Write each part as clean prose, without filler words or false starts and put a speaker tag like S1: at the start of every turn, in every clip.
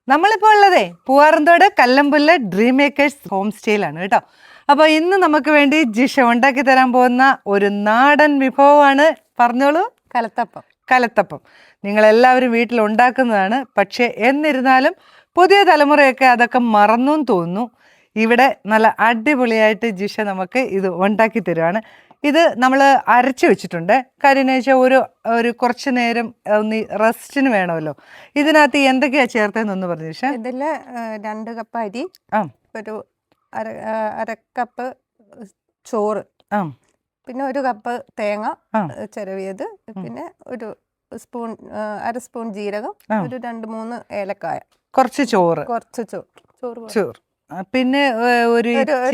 S1: നമ്മളിപ്പോൾ ഉള്ളതേ Poovaranthode Kallampullu dream makers home സ്റ്റേയിലാണ് കേട്ടോ. അപ്പോൾ ഇന്ന് നമുക്ക് വേണ്ടി ജിഷ ഉണ്ടാക്കി തരാൻ പോകുന്ന ഒരു നാടൻ വിഭവമാണ്. പറഞ്ഞോളൂ.
S2: കലത്തപ്പം.
S1: കലത്തപ്പം നിങ്ങളെല്ലാവരും വീട്ടിൽ ഉണ്ടാക്കുന്നതാണ്. പക്ഷേ എന്നിരുന്നാലും പുതിയ തലമുറയൊക്കെ അതൊക്കെ മറന്നും തോന്നുന്നു. ഇവിടെ നല്ല അടിപൊളിയായിട്ട് ജിഷ നമുക്ക് ഇത് ഉണ്ടാക്കി തരുവാണ്. ഇത് നമ്മൾ അരച്ച് വെച്ചിട്ടുണ്ട്. കാര്യം എന്ന് വെച്ചാൽ ഒരു കുറച്ച് നേരം ഒന്ന് റെസ്റ്റിന് വേണമല്ലോ. ഇതിനകത്ത് എന്തൊക്കെയാണ് ചേർത്തതെന്നൊന്ന് പറഞ്ഞു ജിഷ.
S2: ഇതിൽ 2 കപ്പ് അരി, ഒരു അര കപ്പ് ചോറ്, പിന്നെ 1 കപ്പ് തേങ്ങ ചിരവിയത്, പിന്നെ ഒരു സ്പൂൺ അര സ്പൂൺ ജീരകം, ഒരു 2-3 ഏലക്കായ,
S1: കുറച്ച് ചോറ്,
S2: ചോറ്,
S1: പിന്നെ ഒരു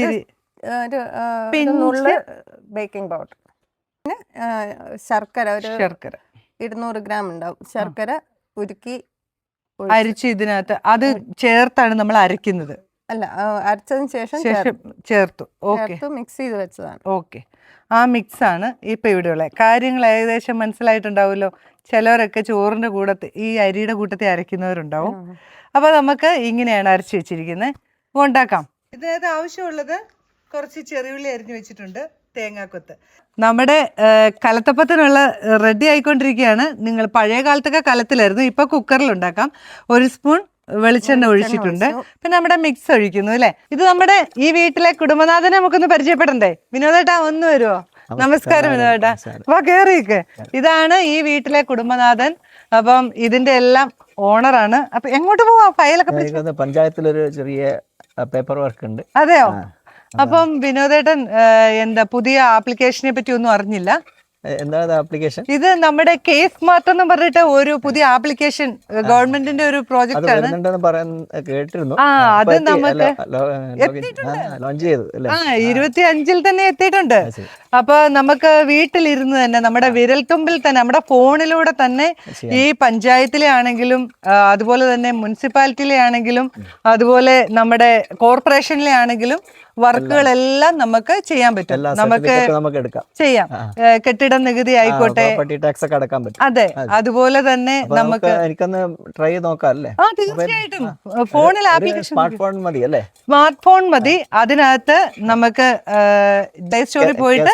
S2: ബേക്കിംഗ് പൗഡർ, പിന്നെ ശർക്കര, ഒരു 200 ഗ്രാം ഉണ്ടാവും. ശർക്കര ഉരുക്കി
S1: അരിച്ച് ഇതിനകത്ത് അത് ചേർത്താണ് നമ്മൾ അരയ്ക്കുന്നത്.
S2: അല്ല, അരച്ചതിന് ശേഷം
S1: ചേർത്തു. ഓക്കെ,
S2: മിക്സ് ചെയ്ത് വെച്ചതാണ്.
S1: ഓക്കെ, ആ മിക്സാണ് ഇപ്പം ഇവിടെയുള്ള കാര്യങ്ങൾ. ഏകദേശം മനസ്സിലായിട്ടുണ്ടാവുമല്ലോ. ചിലവരൊക്കെ ചോറിൻ്റെ കൂട്ടത്തിൽ ഈ അരിയുടെ കൂട്ടത്തിൽ അരയ്ക്കുന്നവരുണ്ടാവും. അപ്പോൾ നമുക്ക് ഇങ്ങനെയാണ് അരച്ച് വെച്ചിരിക്കുന്നത്. ഉണ്ടാക്കാം. ഇതിനകത്ത് ആവശ്യമുള്ളത് കുറച്ച് ചെറിയുള്ളി അരിഞ്ഞു വെച്ചിട്ടുണ്ട്, തേങ്ങാക്കൊത്ത്. നമ്മുടെ കലത്തപ്പത്തിനുള്ള റെഡി ആയിക്കൊണ്ടിരിക്കുകയാണ്. നിങ്ങൾ പഴയ കാലത്തൊക്കെ കലത്തിലായിരുന്നു, ഇപ്പോൾ കുക്കറിൽ ഉണ്ടാക്കാം. 1 സ്പൂൺ വെളിച്ചെണ്ണ ഒഴിച്ചിട്ടുണ്ട്. പിന്നെ നമ്മുടെ മിക്സ് ഒഴിക്കുന്നു അല്ലേ. ഇത് നമ്മുടെ ഈ വീട്ടിലെ കുടുംബനാഥനെ നമുക്കൊന്ന് പരിചയപ്പെടണ്ടേ. വിനോദേട്ടാ ഒന്ന് വരുമോ? നമസ്കാരം വിനോദേട്ടാ, വാ കേറിയൊക്കെ. ഇതാണ് ഈ വീട്ടിലെ കുടുംബനാഥൻ. അപ്പം ഇതിന്റെ എല്ലാം ഓണറാണ്. അപ്പൊ എങ്ങോട്ട് പോവാ? ഫയലൊക്കെ
S3: പഞ്ചായത്തിലൊരു ചെറിയ പേപ്പർ വർക്ക് ഉണ്ട്.
S1: അതെയോ? അപ്പം വിനോദേട്ടൻ എന്താ പുതിയ ആപ്ലിക്കേഷനെ പറ്റി ഒന്നും അറിഞ്ഞില്ല.
S3: എന്താണ് ആപ്ലിക്കേഷൻ?
S1: ഇത് നമ്മുടെ കേസ് സ്മാർട്ട് എന്ന് പറഞ്ഞിട്ട് ഒരു പുതിയ ആപ്ലിക്കേഷൻ, ഗവൺമെന്റിന്റെ ഒരു പ്രോജക്റ്റ് ആണ്.
S3: കേട്ടിരുന്നു.
S1: അത് നമുക്ക്
S3: ലോഞ്ച് ചെയ്തു.
S1: 25 തന്നെ എത്തിയിട്ടുണ്ട്. അപ്പൊ നമുക്ക് വീട്ടിലിരുന്ന് തന്നെ നമ്മുടെ വിരൽത്തുമ്പിൽ തന്നെ നമ്മുടെ ഫോണിലൂടെ തന്നെ ഈ പഞ്ചായത്തിലെ ആണെങ്കിലും അതുപോലെ തന്നെ മുനിസിപ്പാലിറ്റിയിലെ ആണെങ്കിലും അതുപോലെ നമ്മുടെ കോർപ്പറേഷനിലെ ആണെങ്കിലും വർക്കുകളെല്ലാം നമുക്ക് ചെയ്യാൻ പറ്റും. നമുക്ക് ചെയ്യാം. കെട്ടിട നികുതി ആയിക്കോട്ടെ, അതെ, അതുപോലെ തന്നെ നമുക്ക്
S3: ട്രൈ നോക്കാം അല്ലേ?
S1: തീർച്ചയായിട്ടും ഫോണിൽ ആപ്ലിക്കേഷൻ,
S3: സ്മാർട്ട് ഫോൺ
S1: മതി. അതിനകത്ത് നമുക്ക് പ്ലേ സ്റ്റോറിൽ പോയിട്ട്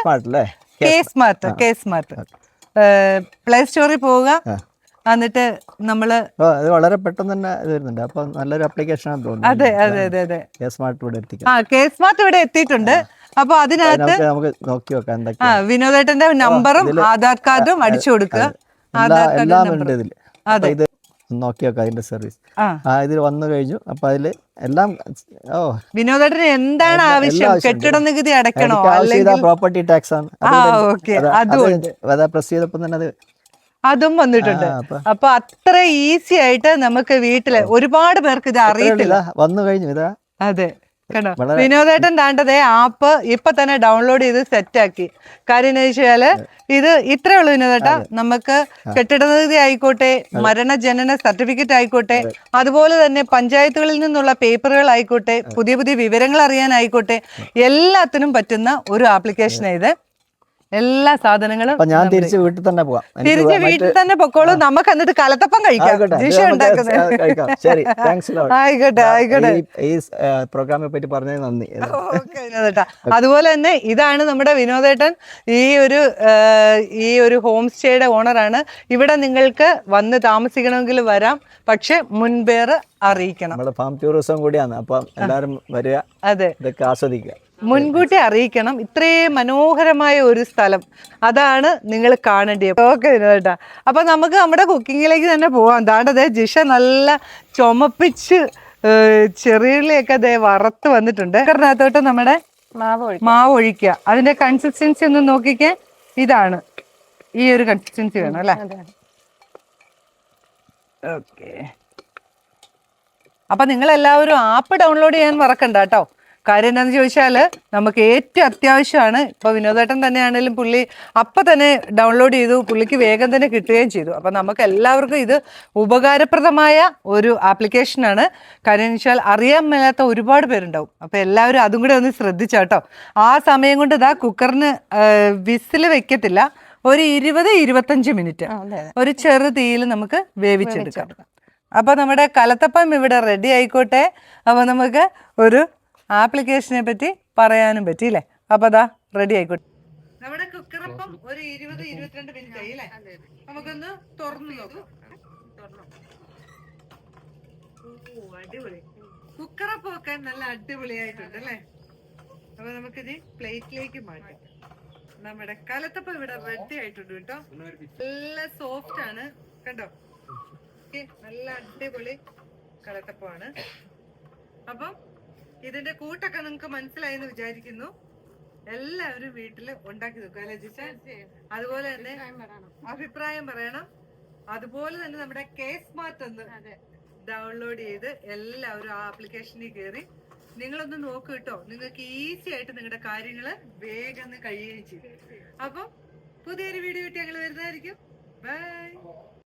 S1: കെ സ്മാർട്ട് പ്ലേ സ്റ്റോറിൽ പോവുക. എന്നിട്ട് നമ്മള്
S3: വളരെ പെട്ടെന്ന് തന്നെ വരുന്നുണ്ട്. അപ്പൊ നല്ലൊരു ആപ്ലിക്കേഷൻ ആണ് തോന്നുന്നു.
S1: അതെ അതെ അതെ അതെ,
S3: കെ സ്മാർട്ട്
S1: ഇവിടെ എത്തിയിട്ടുണ്ട്. അപ്പൊ അതിനകത്ത്
S3: നമുക്ക് നോക്കി നോക്കാം എന്തൊക്കെയാ.
S1: വിനോദേട്ടന്റെ നമ്പറും ആധാർ കാർഡും അടിച്ചു കൊടുക്കുക.
S3: ഇത് നോക്കി നോക്കാം അതിന്റെ സർവീസ്. ഇതിൽ വന്നു കഴിഞ്ഞു. അപ്പൊ അതില് എല്ലാം
S1: വിനോദേട്ടന് എന്താണ് ആവശ്യം? കെട്ടിട നികുതി അടയ്ക്കണോ, അല്ലെങ്കിൽ
S3: പ്രോപ്പർട്ടി ടാക്സ് ആണ്. പ്രസ് ചെയ്തപ്പോ തന്നെ
S1: അതും വന്നിട്ടുണ്ട്. അപ്പൊ അത്ര ഈസി ആയിട്ട് നമുക്ക് വീട്ടില് ഒരുപാട് പേർക്ക് ഇത് അറിയത്തില്ല.
S3: വന്നു കഴിഞ്ഞു ഇതാ.
S1: അതെ, കേട്ടോ. വിനോദേട്ടൻ താണ്ടതേ ആപ്പ് ഇപ്പൊ തന്നെ ഡൗൺലോഡ് ചെയ്ത് സെറ്റാക്കി. കാര്യം എന്ന് വെച്ചാല് ഇത് ഇത്രേ ഉള്ളൂ വിനോദേട്ടാ. നമുക്ക് കെട്ടിട നികുതി ആയിക്കോട്ടെ, മരണജനന സർട്ടിഫിക്കറ്റ് ആയിക്കോട്ടെ, അതുപോലെ തന്നെ പഞ്ചായത്തുകളിൽ നിന്നുള്ള പേപ്പറുകൾ ആയിക്കോട്ടെ, പുതിയ പുതിയ വിവരങ്ങൾ അറിയാനായിക്കോട്ടെ, എല്ലാത്തിനും പറ്റുന്ന ഒരു ആപ്ലിക്കേഷനാണ് ഇത്. എല്ലാ സാധനങ്ങളും
S3: ഞാൻ തിരിച്ച് വീട്ടിൽ തന്നെ പോവാം.
S1: തിരിച്ച് വീട്ടിൽ തന്നെ പൊക്കോളൂ. നമുക്ക് എന്നിട്ട് കലത്തപ്പം കഴിക്കാം. ജിഷ ഉണ്ടാക്കുന്നത്. ആയിക്കോട്ടെ ആയിക്കോട്ടെ.
S3: ഈ പ്രോഗ്രാമിനെ പറ്റി പറഞ്ഞത് നന്ദി.
S1: അതുപോലെ തന്നെ ഇതാണ് നമ്മുടെ വിനോദേട്ടൻ. ഈ ഒരു ഹോം സ്റ്റേയുടെ ഓണറാണ്. ഇവിടെ നിങ്ങൾക്ക് വന്ന് താമസിക്കണമെങ്കിൽ വരാം, പക്ഷെ മുൻപേറ് അറിയിക്കണം.
S3: നമ്മുടെ ഫാം ടൂറിസം കൂടിയാണ്. അപ്പം എല്ലാവരും വരിക,
S1: അതെ,
S3: ഇതൊക്കെ ആസ്വദിക്കുക.
S1: മുൻകൂട്ടി അറിയിക്കണം. ഇത്രയും മനോഹരമായ ഒരു സ്ഥലം, അതാണ് നിങ്ങൾ കാണേണ്ടത്. ഓക്കെ വിനോദേട്ടാ, അപ്പൊ നമുക്ക് നമ്മുടെ കുക്കിങ്ങിലേക്ക് തന്നെ പോവാം. ദാണ്ടതേ ജിഷ നല്ല ചുമപ്പിച്ച് ചെറിയുള്ളിയൊക്കെ അതേ വറുത്ത് വന്നിട്ടുണ്ട്. അതിനകത്തോട്ട് നമ്മുടെ മാവ് ഒഴിക്കുക. അതിന്റെ കൺസിസ്റ്റൻസി ഒന്ന് നോക്കിക്കേ. ഇതാണ്, ഈ ഒരു കൺസിസ്റ്റൻസി വേണം അല്ലേ? ഓക്കെ. അപ്പൊ നിങ്ങൾ എല്ലാവരും ആപ്പ് ഡൗൺലോഡ് ചെയ്യാൻ മറക്കണ്ട കേട്ടോ. കാര്യം എന്താണെന്ന് ചോദിച്ചാൽ നമുക്ക് ഏറ്റവും അത്യാവശ്യമാണ്. ഇപ്പോൾ വിനോദേട്ടൻ തന്നെയാണെങ്കിലും പുള്ളി അപ്പം തന്നെ ഡൗൺലോഡ് ചെയ്തു, പുള്ളിക്ക് വേഗം തന്നെ കിട്ടുകയും ചെയ്തു. അപ്പം നമുക്ക് എല്ലാവർക്കും ഇത് ഉപകാരപ്രദമായ ഒരു ആപ്ലിക്കേഷനാണ്. കാര്യം എന്ന് വെച്ചാൽ അറിയാൻ മേലാത്ത ഒരുപാട് പേരുണ്ടാവും. അപ്പോൾ എല്ലാവരും അതും കൂടെ ഒന്ന് ശ്രദ്ധിച്ചാട്ടോ. ആ സമയം കൊണ്ട് ഇതാ കുക്കറിന് വിസിൽ വെക്കത്തില്ല, ഒരു 20-25 മിനിറ്റ് ഒരു ചെറു തീയിൽ നമുക്ക് വേവിച്ചെടുക്കാം. അപ്പോൾ നമ്മുടെ കലത്തപ്പം ഇവിടെ റെഡി ആയിക്കോട്ടെ. അപ്പോൾ നമുക്ക് ഒരു ആപ്ലിക്കേഷനെ പറ്റി പറയാനും പറ്റിയില്ലേ. അപ്പോൾ അതാ റെഡി ആയിക്കോട്ടെ. നമ്മുടെ കുക്കറപ്പം ഒരു 20-22 മിനിറ്റ് ആയി അല്ലേ? നമുക്കൊന്ന് തുറന്നു നോക്കാം. ഓ അടിപൊളി, കുക്കറപ്പം ഒക്കെ നല്ല അടിപൊളിയായിട്ടുണ്ട് അല്ലേ? അപ്പൊ നമുക്കിത് പ്ലേറ്റിലേക്ക് മാറ്റാം. നമ്മുടെ കലത്തപ്പം ഇവിടെ റെഡി ആയിട്ടുണ്ട് കേട്ടോ. നല്ല സോഫ്റ്റ് ആണ് കണ്ടോ. നല്ല അടിപൊളി കലത്തപ്പമാണ്. അപ്പം ഇതിന്റെ കൂട്ടൊക്കെ നിങ്ങൾക്ക് മനസ്സിലായി എന്ന് വിചാരിക്കുന്നു. എല്ലാവരും വീട്ടില് ഉണ്ടാക്കി നോക്കുക അല്ലെ ജിഷ? അതുപോലെ തന്നെ അഭിപ്രായം പറയണം. അതുപോലെ തന്നെ നമ്മുടെ K-Smart ഒന്ന് ഡൗൺലോഡ് ചെയ്ത് എല്ലാവരും ആ ആപ്ലിക്കേഷനിൽ കയറി നിങ്ങളൊന്ന് നോക്കൂ കേട്ടോ. നിങ്ങൾക്ക് ഈസി ആയിട്ട് നിങ്ങളുടെ കാര്യങ്ങള് വേഗം കഴിയുകയും ചെയ്യും. അപ്പം പുതിയൊരു വീഡിയോ ആയിട്ട് ഞങ്ങൾ വരുന്നതായിരിക്കും. ബൈ.